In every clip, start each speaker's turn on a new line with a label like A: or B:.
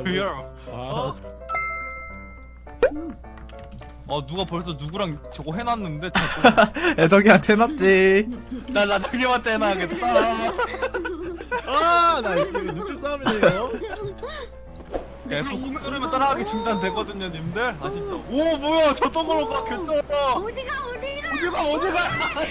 A: here.
B: 아,
A: 누가 벌써 누구랑 저거 해놨는데 자꾸
C: 애덕이한테 해놨지.
A: 나 나중에한테 해놔야겠다.
B: 나 이거 눈치 싸움이네요.
A: 야, 또 꿈꾸면 따라가기 중단되거든요, 님들. 아시죠? 오, 뭐야, 저 동그란 거 괜찮아. 어디가?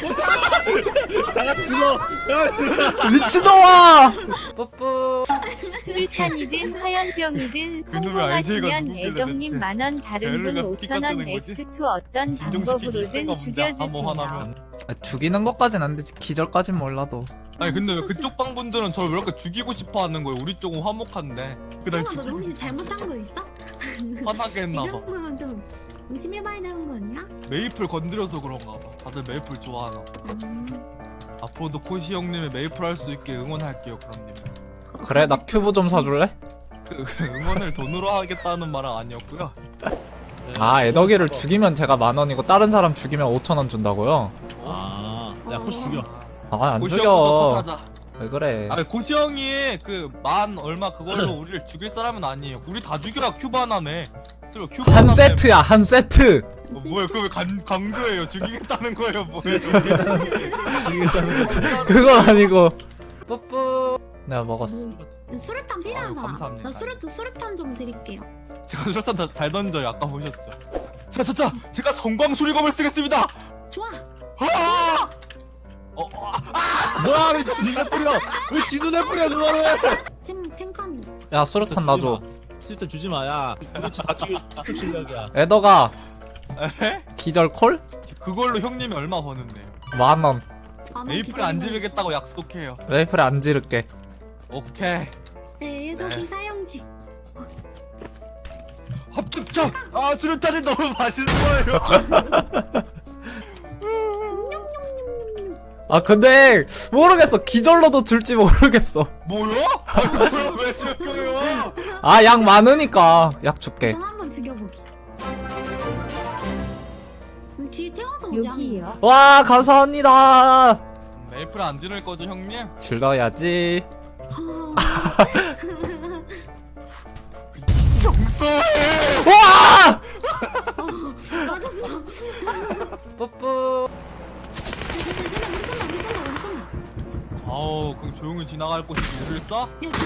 B: 다 같이 불러.
C: 미친놈아. 뿌뿌.
D: 수류탄이든 화염병이든
A: 그놈의 알제이가
D: 성공하시면
A: 누구길래
D: 애덕님
A: 대체.
D: 10,000원 다른 분
A: 배를
D: 5,000원
A: 깎아내는 거지?
D: X2 어떤 방법으로든 죽여주세요.
A: 하나면.
C: 죽이는 것까진 안 되지. 기절까진 몰라도.
A: 아니 근데 왜 그쪽 방 분들은 저를 왜 이렇게 죽이고 싶어 하는 거예요? 우리 쪽은 화목한데. 그날
E: 너
A: 죽이고
E: 혹시 잘못한 거 있어?
A: 화나게
E: 이
A: 했나봐.
E: 정도면 좀 의심해봐야 되는 거 아니야?
A: 메이플 건드려서 그런가 봐. 다들 메이플 좋아하나. 앞으로도 코시 형님의 메이플 할 수 있게 응원할게요, 그럼 님.
C: 그래, 나 큐브 좀 사줄래?
A: 그 응원을 돈으로 하겠다는 말은 아니었고요.
C: 아, 애덕이를 죽이면 제가 10,000원이고 다른 사람 죽이면 5,000원 준다고요?
B: 야, 코시 죽여.
C: 아, 안
A: 코시
C: 죽여.
A: 형부터 하자.
C: 왜 그래?
A: 아, 코시 형이 그 만 얼마 그걸로 우리를 죽일 사람은 아니에요. 우리 다 죽여야 큐브 하나네. 설마 큐브
C: 한
A: 하나네.
C: 세트야, 한 세트.
A: 뭐야, 그거 왜 강조해요? 죽이겠다는 거예요, 뭐예요?
C: 그건 아니고. 뿌뿌. 내가 먹었어.
E: 수류탄 필요한
A: 아유,
E: 사람.
A: 감사합니다.
E: 나 수류탄 좀 드릴게요.
A: 제가 술탄 잘 던져요. 아까 보셨죠? 자, 제가 성광 수리검을 쓰겠습니다.
E: 좋아.
A: 아!
B: 뭐야, 왜 진눈에 뿌려? 왜 진눈에 뿌려, 그거를?
E: 탱칸.
C: 야, 수류탄 놔줘.
B: 쓸데 주지 마, 야. 그렇지, 다 죽여, 실력이야.
C: 애덕아,
A: 에?
C: 기절 콜?
A: 그걸로 형님이 얼마 버는데요?
C: 10,000원.
A: 메이플 안 지르겠다고 약속해요.
C: 메이플에 안 지를게.
A: 오케이.
E: 네, 일곱이
A: 네.
E: 사용지.
A: 합격점! 아, 수류탄이 너무 맛있어요.
C: 아, 근데 모르겠어. 기절로도 줄지 모르겠어.
A: 뭐요? 왜 죽여요?
C: 아, 약 많으니까 약 줄게.
E: 일단 한번 죽여보기. 뒤에 태워서 오지 않나?
D: 여기요.
C: 와, 감사합니다.
A: 메이플 안 지를 거죠, 형님?
C: 즐거워야지.
A: 정서해!
C: 와!
E: 맞았어.
C: 뿌뿌.
E: 우리 쏜다.
A: 아우, 그럼 조용히 지나갈 곳이 우리를 쏴?
E: 야,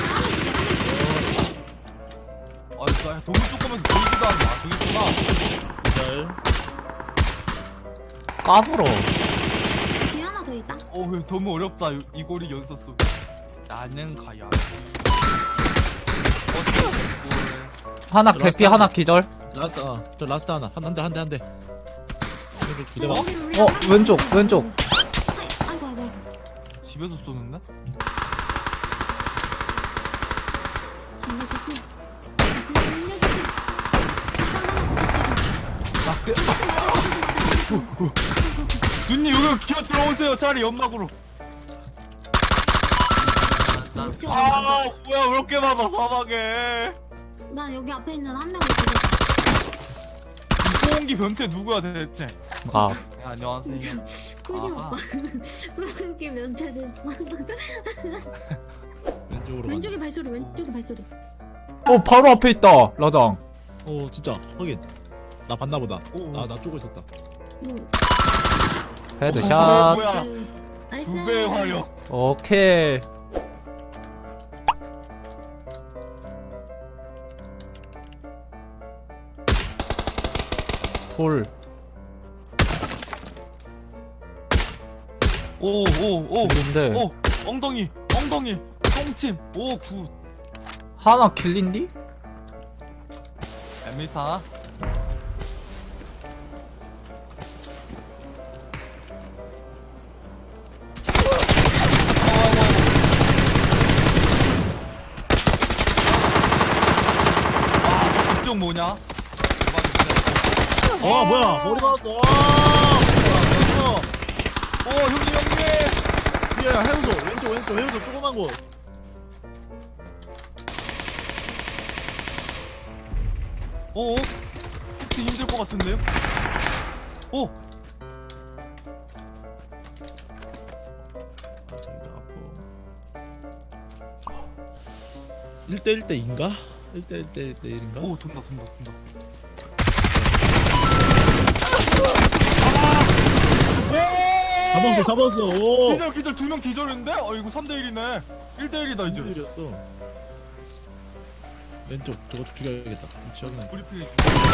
A: 아, 나 동물 뚜껑에서 보이지도 않나. 저기 있구나.
B: 절.
C: 까불어.
E: 뒤에 하나 더 있다.
A: 왜 너무 어렵다. 이고리 연서 속. 나는 가야.
C: 하나 개피, 하나 기절.
B: 라스트, 저 라스트 하나. 한 대. 기다려.
C: 왼쪽.
E: 아이고.
A: 집에서 쏘는데?
E: 살려주시.
A: 누님 여기 기어 들어오세요. 차라리 연막으로. 뭐야 왜 이렇게 많아 사막에.
E: 나 여기 앞에 있는 한 명을
A: 소음기 변태 누구야 대체?
C: 아,
A: 네, 안녕하세요.
E: 쿠시
A: 아하.
E: 오빠. 소름끼 면태됐어.
B: 왼쪽으로.
E: 왼쪽에 발소리.
C: 바로 앞에 있다. 라장.
B: 진짜. 확인. 나 봤나 보다.
A: 오.
B: 나 쪼고 있었다.
C: 헤드샷.
A: 뭐야?
E: 나이스.
A: 2배의 화력.
C: 오케이. 콜.
A: 오.
C: 근데
A: 엉덩이. 똥침. 오 굿.
C: 하나 kil린디?
A: 에미사. 이쪽 뭐냐?
B: 뭐야. 머리 맞았어.
A: 형님.
B: 뒤에 해우소. 왼쪽 해우소 조그만 곳.
A: 특히 힘들 것 같은데요?
B: 저기도 아프. 1대1대인가? 1대1인가?
A: 오 돈다.
B: 잡았어. 오.
A: 기절 2명 기절인데? 이거 3대1이네. 1대1이다 이제.
B: 1대1이었어. 왼쪽 저거 죽여야겠다. 지역은
A: 브리핑이.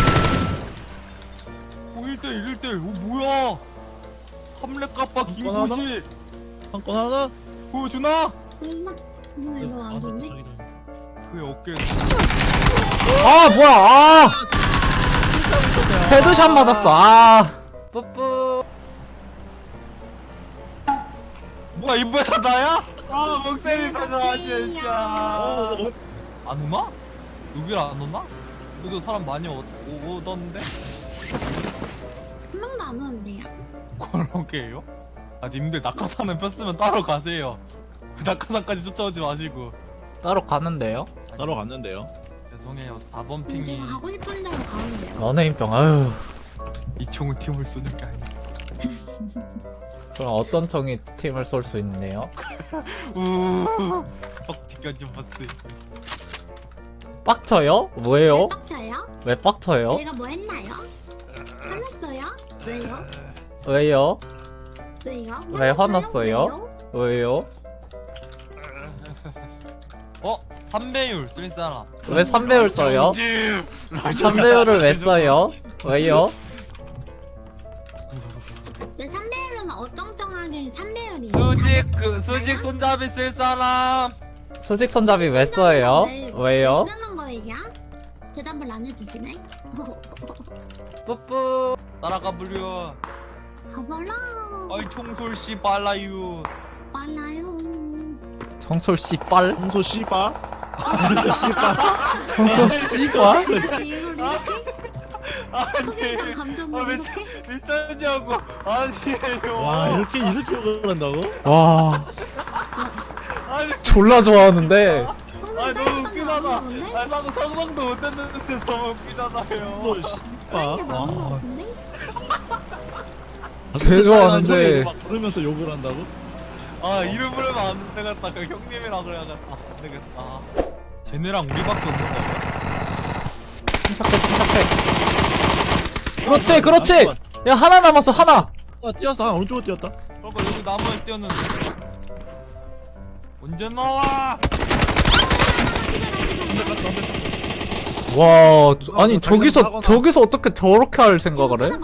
A: 오 1대1. 오 뭐야? 3렙 까빠 김구시.
B: 한 건 하나?
A: 보여주나?
E: 엄마 정말 이거 안 좋네.
A: 그의 어깨.
C: 아 뭐야 아 헤드샷 맞았어 아 뿌뿌
A: 뭐야 이번에 다 나야? 멍 때리다가 진짜. 안 오나? 여기를 안 오나? 여기도 사람 많이 오던데?
E: 한 명도 안 오는데요?
A: 그러게요? 님들 낙하산은 폈으면 따로 가세요. 낙하산까지 쫓아오지 마시고.
C: 따로 가는데요?
B: 따로 갔는데요.
A: 죄송해요. 4번
E: 제가
A: 핑이
E: 가고 싶은 데로 가는데요.
C: 연예인병 아유
A: 이 총은 팀을 쏘는 게 아니야.
C: 그럼 어떤 총이 팀을 쏠 수 있네요?
A: 뻑지까지 봤어.
C: 빡쳐요? 뭐예요?
E: 빡쳐요?
C: 왜 빡쳐요?
E: 제가 뭐 했나요? 화났어요? 왜요?
C: 왜요?
E: 왜요?
C: 왜 화났어요? 왜요?
A: 3배율 쓸 사람.
C: 왜 3배율 써요? 3배율을 왜 써요? 왜요?
E: 왜 3배율은 어쩡쩡하게 3배율이에요?
A: 수직 손잡이 쓸 사람.
C: 수직 손잡이 왜 써요? 왜요?
E: 왜 쓰는 거예요? 대답을 안 해주시네?
A: 뿌뿌. 따라가 불려.
E: 가봐라.
A: 아이 총솔씨 빨라유.
E: 빨라요.
C: 청솔 씨빨?
B: 홍소 씨바?
C: 청솔 씨과?
E: 이걸 이렇게?
A: 아니.
E: 소개팅 감정을
A: 미쳐-
E: 이렇게?
A: 미쳤냐고. 아니에요.
B: 와 이렇게 욕을 한다고?
C: 와
A: 아니.
C: 졸라 좋아하는데
A: 너무 웃기잖아. 상상도 못했는데 너무 웃기잖아요.
B: 홍소 씨바?
E: 이게 맞는 거 같은데?
C: 개 좋아하는데
B: 막 부르면서 욕을 한다고?
A: 이름 부르면 안 되겠다. 그 형님이라 그래야겠다. 안 되겠다. 쟤네랑 우리밖에 없는 거야.
C: 그렇지 그렇지 야 하나 남았어 하나
B: 뛰었어. 오른쪽으로 뛰었다.
A: 그러니까 여기 나무에 뛰었는데. 언제 나와?
C: 와 아니 저기서 어떻게 저렇게 할 생각을 해?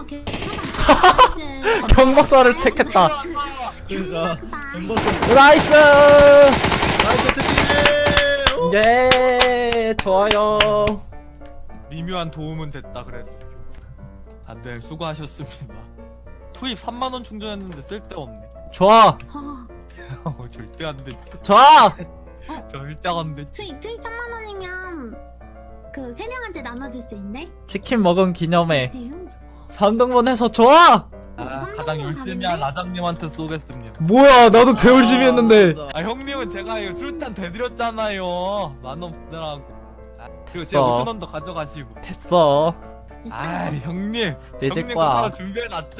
C: 경박사를 택했다
B: 그러니까
C: 나이스
B: 나이스 채팅.
C: 예 좋아요
A: 미묘한 도움은 됐다 그래도. 다들 수고하셨습니다. 투입 3만원 충전했는데 쓸데없네.
C: 좋아
A: 절대 안 되지.
C: 좋아
A: 절대 안 되지.
E: 트윗 3만 원이면 그 3명한테 나눠줄 수 있네?
C: 치킨 먹은 기념에
E: 에휴.
C: 3등분 해서 좋아
A: 가장 열심히 한 라장님한테 쏘겠습니다.
C: 뭐야 나도 개 열심히 했는데
A: 형님은 제가 이거 술탄 대드렸잖아요. 만원 받으라고. 그리고 제가
C: 써.
A: 5천원도 가져가시고.
C: 됐어
A: 형님.
C: 삐질
A: 형님
C: 거야.
A: 거 따로 준비해놨죠.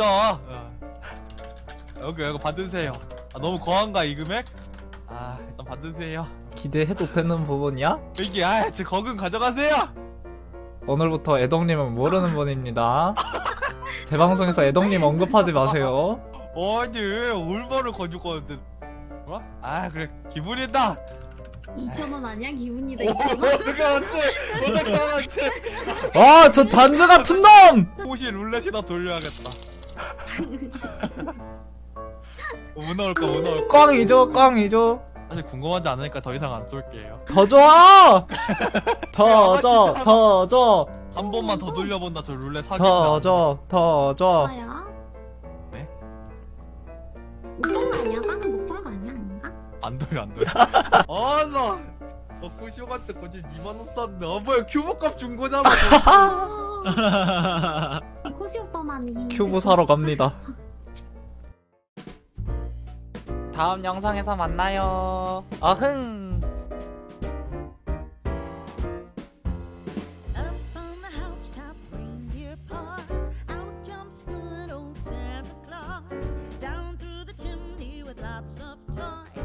A: 여기 받으세요. 너무 거한가 이 금액? 일단 받으세요.
C: 기대해도 되는 부분이야?
A: 여기 제 거금 가져가세요.
C: 오늘부터 애덕님은 모르는 분입니다 제 방송에서 애덕님 언급하지 마세요
A: 아니 올바를 가져가는데. 뭐? 그래 기분이다.
E: 2,000원 아니야? 기분이다.
A: 어떻게 알았지? 어떻게 알았지?
C: 와 저 단주 같은 놈!
A: 혹시 룰렛이나 돌려야겠다. 뭐 나올까 뭐 나올까.
C: 꽝이죠
A: 사실 궁금하지 않으니까 더 이상 안 쏠게요.
C: 더 줘! 더 줘!
A: 한 번만 더 돌려본다. 저 룰렛 사귄다.
C: 더 줘!
E: 좋아요.
A: 네?
E: 못 본 거 아니야? 깡은 못 본 거 아니야? 아닌가?
A: 안 돌려. 나 코시오한테 거짓 2만원 쌌네. 뭐야 큐브값 준 거잖아.
E: 코시 오빠만이
C: 큐브 사러 갑니다 다음 영상에서 만나요 어흥
F: Up on the housetop, reindeer paws. Out jumps good old Santa Claus. Down through the chimney with lots of toys.